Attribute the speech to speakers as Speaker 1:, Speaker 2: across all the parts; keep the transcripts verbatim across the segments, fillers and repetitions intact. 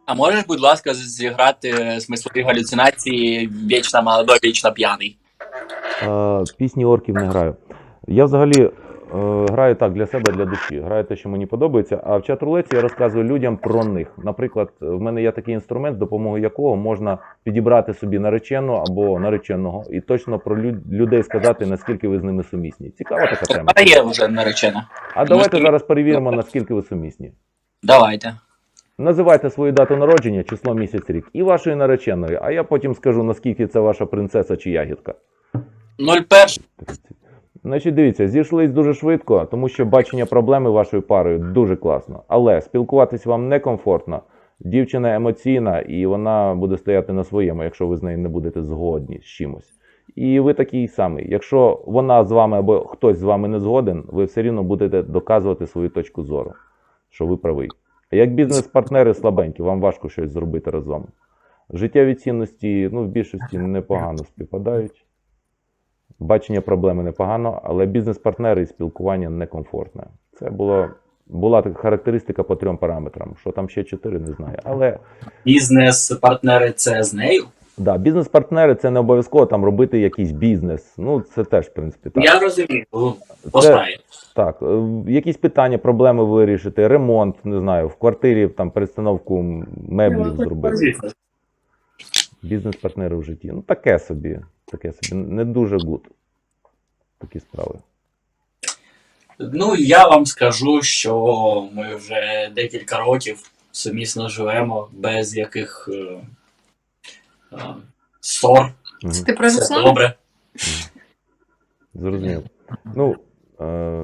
Speaker 1: А можеш, будь ласка, зіграти смислові галюцинації «Вічно молодой, вічно п'яний»?
Speaker 2: Е, пісні орків не граю. Я взагалі е, граю так для себе, для душі. Граю те, що мені подобається. А в чат-рулеті я розказую людям про них. Наприклад, в мене є такий інструмент, з допомогою якого можна підібрати собі наречену або нареченого і точно про лю- людей сказати, наскільки ви з ними сумісні. Цікава така тема.
Speaker 1: А є вже наречена.
Speaker 2: А давайте зараз перевіримо, наскільки ви сумісні.
Speaker 1: Давайте.
Speaker 2: Називайте свою дату народження, число, місяць, рік і вашої нареченої, а я потім скажу, наскільки це ваша принцеса чи ягідка.
Speaker 1: нуль перший.
Speaker 2: Значить, дивіться, зійшлись дуже швидко, тому що бачення проблеми вашою парою дуже класно. Але спілкуватись вам некомфортно. Дівчина емоційна і вона буде стояти на своєму, якщо ви з нею не будете згодні з чимось. І ви такий самий. Якщо вона з вами або хтось з вами не згоден, ви все рівно будете доказувати свою точку зору, що ви правий. А як бізнес-партнери слабенькі, вам важко щось зробити разом. Життєві цінності, ну, в більшості непогано співпадають. Бачення проблеми непогано, але бізнес-партнери і спілкування некомфортне. Це було, була така характеристика по трьом параметрам. Що там ще чотири, не знаю. Але
Speaker 1: Бізнес-партнери це з нею?
Speaker 2: да, бізнес-партнери це не обов'язково там робити якийсь бізнес. Ну, це теж, в принципі, так.
Speaker 1: Я розумію. По справі.
Speaker 2: Так, е, якісь питання, проблеми вирішити, ремонт, не знаю, в квартирі там перестановку меблів зробити.
Speaker 1: Звісно.
Speaker 2: Бізнес-партнери в житті. Ну, таке собі. Таке собі. Не дуже гуд. Такі справи.
Speaker 1: Ну, я вам скажу, що ми вже декілька років сумісно живемо без яких е, е, ссор.
Speaker 2: Угу.
Speaker 3: Ти про
Speaker 1: Все
Speaker 3: Руслана?
Speaker 1: добре.
Speaker 2: Зрозумів. Ну, е,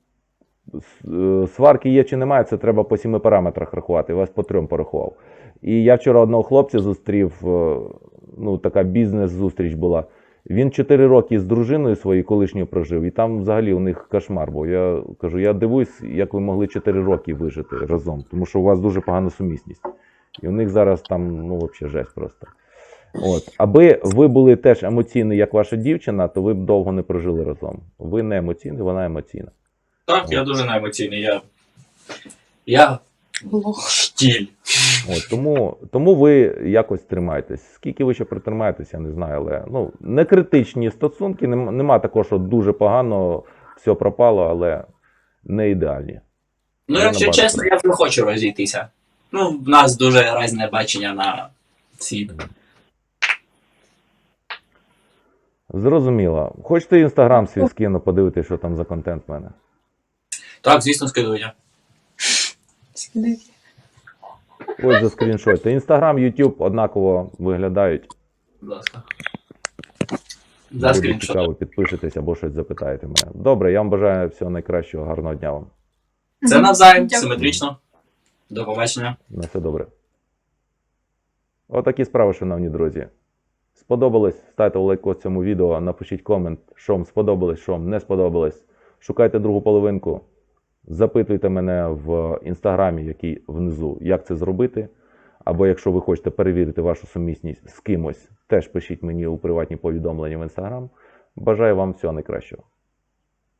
Speaker 2: с- е, сварки є чи немає, це треба по сіми параметрах рахувати. Я вас по трьом порахував. І я вчора одного хлопця зустрів, е, ну, така бізнес-зустріч була. Він чотири роки з дружиною своєю колишньою прожив, і там взагалі у них кошмар був. Я кажу, я дивуюсь, як ви могли чотири роки вижити разом, тому що у вас дуже погана сумісність. І у них зараз там, ну, взагалі жесть просто. От. Аби ви були теж емоційні, як ваша дівчина, то ви б довго не прожили разом. Ви не емоційні, вона емоційна.
Speaker 1: Так, я дуже неемоційний. Я, я
Speaker 3: Лох.
Speaker 1: штіль.
Speaker 2: От, тому, тому ви якось тримаєтесь. Скільки ви ще протримаєтесь, я не знаю, але ну, не критичні стосунки, нема, нема такого, що дуже погано, все пропало, але не ідеальні.
Speaker 1: Ну,
Speaker 2: Я
Speaker 1: якщо
Speaker 2: набагато
Speaker 1: чесно, я не хочу розійтися. Ну, в нас дуже різне бачення на світ.
Speaker 2: Зрозуміло. Хочете інстаграм свій скину, подивитися, що там за контент в мене?
Speaker 1: Так, звісно, скидуйте.
Speaker 2: Ось за скріншоти. Інстаграм, Ютуб однаково виглядають.
Speaker 1: Будь ласка. За
Speaker 2: Буде
Speaker 1: скріншот.
Speaker 2: цікаво, підпишетесь або щось запитаєте мене. Добре, я вам бажаю всього найкращого, гарного дня вам.
Speaker 1: Це навзаєм,
Speaker 3: Дякую.
Speaker 1: симетрично. До побачення.
Speaker 2: На все добре. Отакі справи, шановні друзі. Сподобалось? Ставте лайк цьому відео, напишіть комент, що вам сподобалось, що вам не сподобалось. Шукайте другу половинку. Запитуйте мене в інстаграмі, який внизу, як це зробити. Або якщо ви хочете перевірити вашу сумісність з кимось, теж пишіть мені у приватні повідомлення в інстаграм. Бажаю вам всього найкращого.